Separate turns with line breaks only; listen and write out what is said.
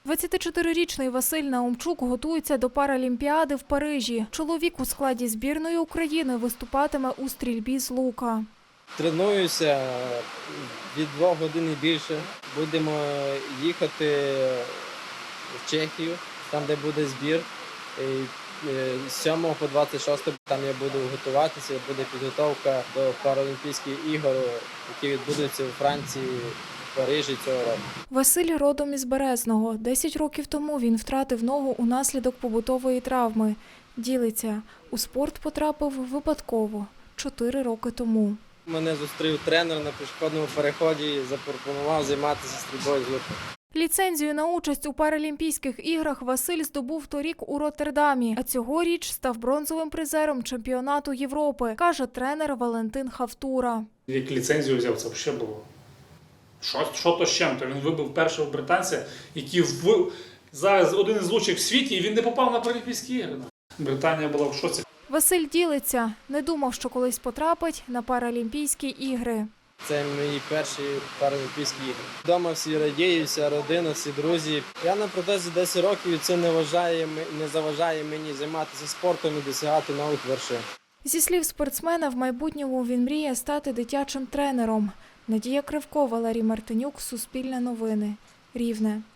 24-річний Василь Наумчук готується до Паралімпіади в Парижі. Чоловік у складі збірної України виступатиме у стрільбі з лука.
Тренуюся від 2 годин і більше. Будемо їхати в Чехію, там де буде збір. З 7 по 26 там я буду готуватися, буде підготовка до Паралімпійських ігор, які відбудуться у Франції, в Парижі цього року.
Василь родом із Березного. 10 років тому він втратив ногу унаслідок побутової травми. Ділиться, у спорт потрапив випадково, 4 роки тому.
Мене зустрів тренер на пішохідному переході і запропонував займатися стрільбою з лука.
Ліцензію на участь у Паралімпійських іграх Василь здобув торік у Роттердамі, а цьогоріч став бронзовим призером чемпіонату Європи, каже тренер Валентин Хавтура.
Як ліцензію взяв, це взагалі було. Що то з чим-то? Він вибив першого британця, який зараз один із лучших в світі, і він не попав на Паралімпійські ігри. Британія була в шоці.
Василь ділиться, не думав, що колись потрапить на Паралімпійські ігри.
Це мої перші Паралімпійські ігри. Вдома всі радіють, вся родина, всі друзі. Я на протезі 10 років і це не заважає мені займатися спортом і досягати нових вершин.
Зі слів спортсмена, в майбутньому він мріє стати дитячим тренером. Надія Кривко, Валерій Мартинюк, Суспільне новини, Рівне.